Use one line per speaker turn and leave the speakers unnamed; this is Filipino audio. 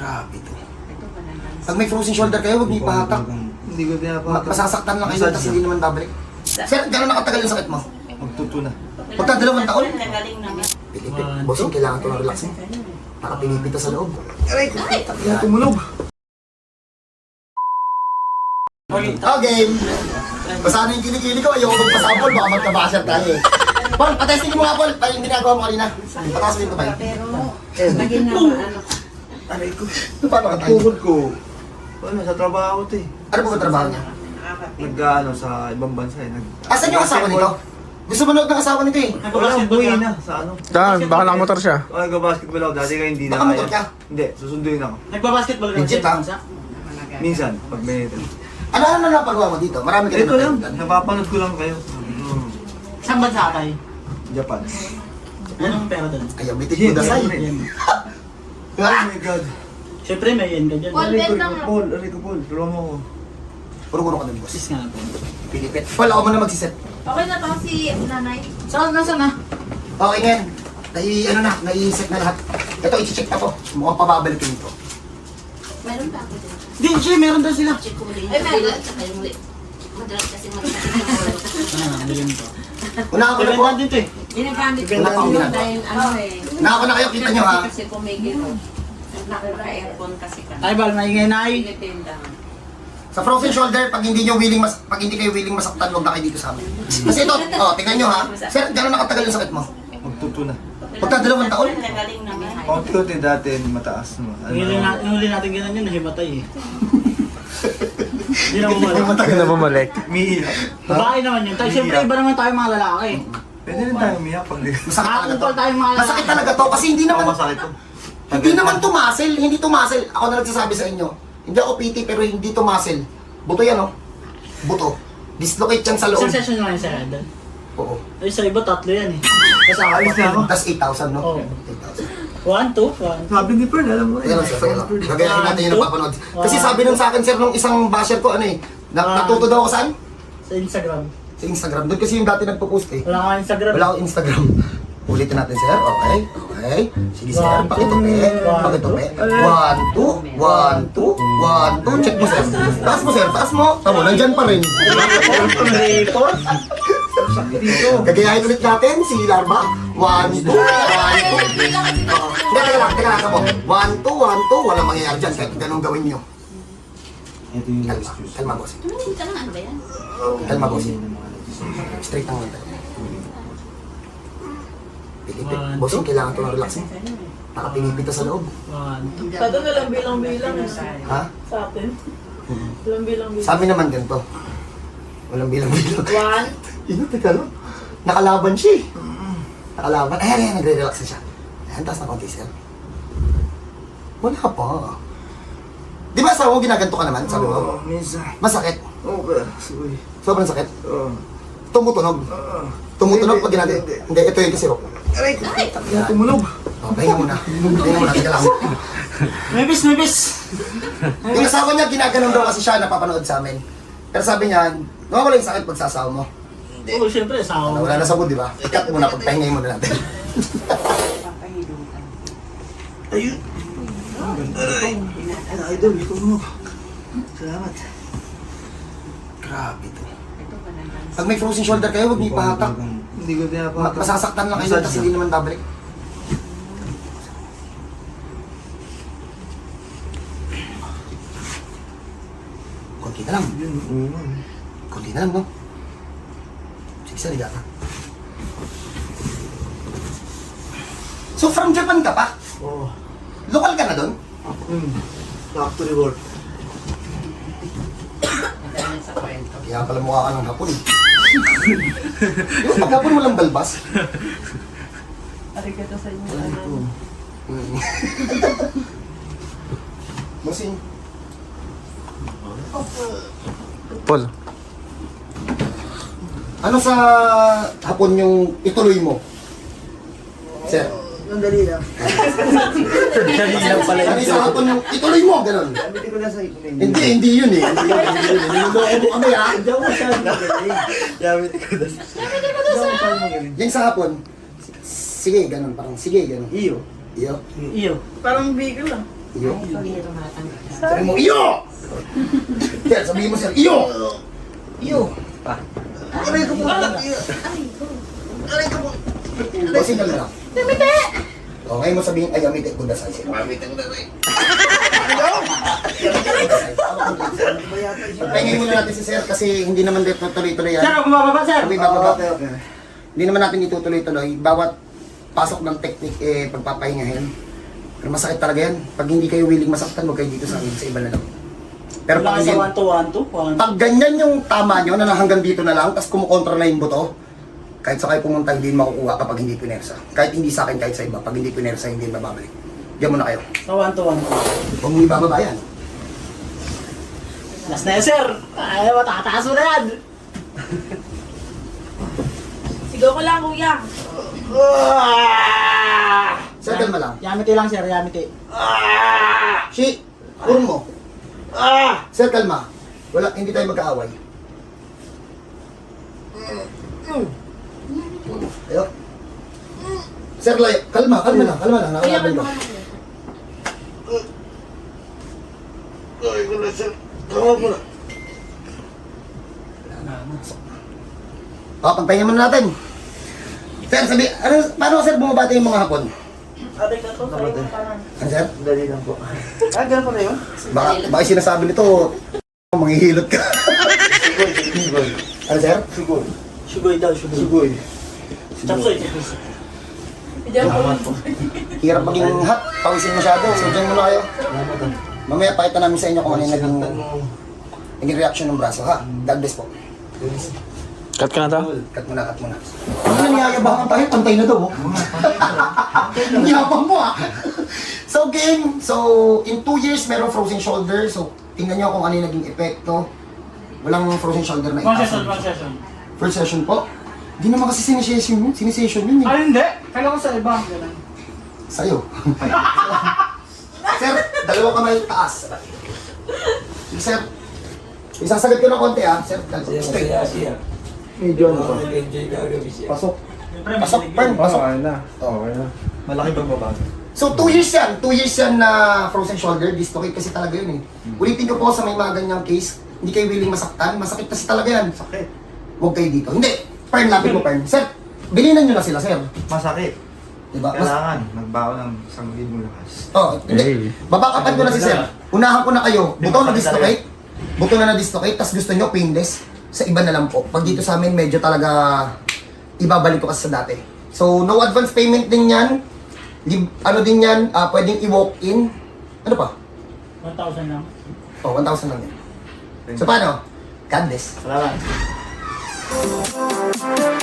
Grabe to. Pag may frozen shoulder kayo, huwag niyo ipahatak.
Hindi ko pinapahatak.
Masasaktan lang kayo, tapos hindi naman babalik. Sir, gano'n nakatagal yung sakit mo?
Magtuto na.
Pagka 2 taon?
Nagaling naman.
Pilipit. Bossing, kailangan ito ng relax mo. Nakapinipita sa loob.
Aray ko, kaya tumulog.
Oh, game! Basta na yung kilikili ko, ayoko magpasabol, baka magkabasher tayo eh. Paul, patesting mo nga, Paul. Yung ginagawa mo kanina. Pataas mo yung kamay.
Pero, naging naman, ano.
Aray ko. Paano ka tayo?
Tuhod ko. Ano, sa trabaho to eh.
Ano po ba trabaho niya?
Nag-ano sa ibang bansa eh.
Asan yung asawa nito? Gusto manood ng asawa nito eh.
Wala, buhay na sa ano.
Saan? Baka nakamotor siya.
O, nag-basketball ako dati kaya hindi na
Nakamotor ka?
Hindi, susunduin ako.
Nagbabasketball ka
Legit, ha?
Minsan, pag may...
Ano napagawa mo dito? Marami ka
Ito lang,
napagalitan.
napapanood ko lang kayo.
Saan bansa tayo?
Japan.
Anong pera doon?
Ayaw, bitik mo dasay.
Yen.
Oh my God.
Siyempre may yen ka dyan.
Aray ko, Paul. Tulungan mo ako.
Puro-puro ka dun, boss.
Sis nga po.
Pilipit. Paul, ako muna magsiset.
Okay na to si nanay.
Saan? Nasaan na?
Okay, ngayon. Nai-set na lahat. Ito, i-check na to. Mukhang pababalikin ito.
Meron pa ako din.
Di, siya, meron daw sila.
Check ko muli. Ay, meron. Tsaka yung muli. Madalas kasi magkakit ng ulo.
Ano, bilhin to.
Una ako na po.
Ibenta din to eh.
Ginagamit ko
Ganda ang ginagawa.
dahil ano eh.
Una ako na kayo, kita nyo ha.
Kasi pumigil ko. Naka-aircon kasi ka.
Ay, bal, maingay na ay.
Pinitenda.
Sa frozen shoulder, pag hindi kayo willing masaktan, huwag na kayo dito sa amin. Kasi ito, tingnan nyo ha. Sir, gano'n nakatagal yung sakit mo?
Magtuto na.
Pagka 2 taon?
Nagaling naman.
Paunti-unti dati mataas mo.
Yung huli natin ganun yun, nahimatay eh. Hindi na bumalik.
Hindi na bumalik.
Umiiyak.
Babae naman yun. Tayo, siyempre iba naman tayo mga lalaki.
Pwede rin tayo umiyak pag
Masakit talaga to.
Nakakupal tayong mga lalaki.
Masakit talaga to kasi hindi naman,
masakit to.
hindi to muscle. Ako na nagsasabi sa inyo. Hindi ako PT pero hindi to muscle. Buto yan oh. Buto. Dislocate yan sa loob.
Isang session lang yung sir.
Oo.
Ay, sa iba tatlo yan eh. Kasi
Ayos na ako.
Tapos 8,000 no?
Oo.
8,000.
1, 2, 1.
Sabi ni Pearl, alam mo
Ayan lang sir, ayan lang. Gagayahin natin yung napapanood. Kasi sabi nun sa akin sir, nung isang basher ko, ano eh, natuto daw ako saan?
Sa Instagram.
Sa Instagram. Doon kasi yung dati nagpo-post eh.
Wala ka Instagram.
Wala akong Instagram. Ulitin natin sir, okay? Okay. Sige sir,
One,
pakitupi.
two,
Pakitupi. 1, 2, 1, 2, 1, 2. Check mo sir. Taas mo sir, taas mo. Tama, nandyan pa rin.
Report.
Gagayahin ulit natin si Larva. 1, 2, 1, 2. Hindi, teka lang, tamo. 1, 2, 1, 2. Walang mangyayari dyan kahit ganun gawin nyo.
Ito yung
Kalma, kalma boss.
Tumingin ka lang, ano ba yan?
Kalma boss. Straight ang tayo. Pilipit. Bossing, kailangan ito ng relax mo. Nakapinipita sa loob.
1, 2.
Pado na lang bilang-bilang
Ha?
sa atin. Walang bilang-bilang.
Sa amin naman ganito. Walang bilang-bilang.
1,
Ino, teka lang. Nakalaban siya eh. Nakalaban. Ayan, nagre-relax na siya. Ayan, taas na konti sir. Wala pa. Di ba asawa mo ginaganto ka naman? Sabi mo.
minsan.
Masakit.
Okay, sorry.
Sobrang sakit.
Oo.
Tumutunog. Tumutunog pag ginagawa. Hindi, ito yung kasirok.
Aray ko, kaya tumulog.
Oh, pahinga muna. Pahinga muna. Teka lang.
May bis.
Yung asawa niya, ginaganon daw kasi siya, napapanood sa amin. Pero sabi niya, nawawala yung sakit pag sa asawa mo.
Oo, siyempre, asawa mo.
Wala na sa mood, di ba? Ikat muna, pagpahingay muna natin.
Ayun. Aray. Idol, ito mo. Salamat.
Grabe to. Pag may frozen shoulder kayo, huwag niyo ipahatak.
Hindi ko pinapahatak.
Masasaktan lang kayo, tapos hindi naman babalik. Konti na lang.
Yun, oo nga.
Konti na lang, no? Sige, saliga ka. So, from Japan ka pa?
Oo.
Local ka na doon?
Factory work.
Kaya pala mukha ka ng hapon eh. Di ba pag hapon walang balbas?
arigato sa inyo.
Masing.
Paul.
Ano sa hapon yung ituloy mo? Sir.
Nandali lang.
Dali lang pala
Ano sa hapon yung ituloy mo? Ganon.
Hindi ko na sa ipin.
Hindi yun eh. Hindi yun. Niloloko mo kami ha.
Hindi ako masyadong magaling. Yamit ko na. Hindi ako masyadong magaling.
Yung sa hapon, sige, ganon. Parang sige, ganon.
Iyo.
Iyo.
Iyo.
Parang bigel lang.
Iyo.
Pamilya tumatanggal.
Sabihin mo, iyo! Sir, sabihin mo, sir, iyo! Iyo! Aray ko po! Aray ko po! Bossing ka lang. Yamite! O, ngayon mo sabihin, ay, yamite ko dasay. Yamite ko dasay. Pagpahingay muna natin si sir kasi hindi naman dito tuloy-tuloy yan.
Sir, ako mababa, sir.
Sabi bababa.
Okay, okay.
Hindi naman natin itutuloy-tuloy. Bawat pasok ng technique, pagpapahingahin. Pero masakit talaga yan. Pag hindi kayo willing masaktan, huwag kayo dito sa akin, sa iba na lang. Pero
Wala
pag,
ka sa
ganyan,
1-2-1-2.
pag ganyan yung tama nyo, na hanggang dito na lang, tapos kumukontra na yung buto, kahit sa kayo pumunta, hindi makukuha kapag hindi pinersa. Kahit hindi sa akin, kahit sa iba, pag hindi pinersa, hindi mababalik. Diyan muna kayo.
Sa 1-2-1-2.
Huwag mong ibababa yan.
Last na yan, sir. Ay, matataas mo na yan.
Sigaw ko lang, kuya.
Settle mo lang.
Yamite lang, sir. Yamite.
Shi, urong mo. Sir, kalma. Wala, hindi tayo magkaaway. Ayo. Sir, layo. Kalma lang.
Kuya,
Nakalaban
kalma
ko.
ka na.
Pagpahinga muna natin. Sir, paano sir bumabati yung mga hapon?
Aday ka to, sa'yo ka na.
Ano sir?
Dali lang po. Ah, ganun pala yun?
Baka sinasabi nito, manghihilot ka.
Sugoy, sugoy.
Ano sir?
Sugoy.
Sugoy daw, sugoy.
Sugoy.
Chapsoy.
Diyan po.
Hirap maging hot, pawisin masyado. So dyan muna kayo. Mamaya pakita namin sa inyo kung ano yung naging reaction ng braso ha. God bless po.
Cut ka na to?
Cut muna. Ano nangyayabang tayo? Pantay na daw. Ang yabang mo ah. So game, in 2 years meron frozen shoulder. So tingnan nyo kung ano yung naging epekto. Walang frozen shoulder na
One
itaas.
session, one session.
First session po. Hindi naman kasi sinisession yun. Sinisession yun eh.
Ay, hindi. Kala ko sa iba. Ganun.
Sa'yo. Sir, dalawang kamay taas. Sige, sir. Isasagad ko ng konti ah. Sir, straight. Medyo ano to. Pasok.
Siyempre,
Pasok,
may
burn, pasok.
na. Okay na. Malaki bang babago?
So 2 years yan. 2 years yan na frozen shoulder. Dislocate kasi talaga yun eh. Ulitin ko po sa may mga ganyang case. Hindi kayo willing masaktan. Masakit kasi talaga yan.
Sakit.
Huwag kayo dito. Hindi. Pern, lapit mo, Pern. Sir, bilinan nyo na sila, sir.
Masakit.
Diba?
Kailangan magbaon ng 1,000 lakas.
Hindi. Babakapan ko na si sir. Unahan ko na kayo. Buto na dislocate. Buto na na-dislocate. Tapos gusto nyo painless. Sa iba na lang po. Pag dito sa amin, medyo talaga ibabalik ko kasi sa dati. So, no advance payment din yan. Ano din yan, pwedeng i-walk-in. Ano pa?
1,000 lang.
1,000 lang yan. So, paano? God bless.
Salamat.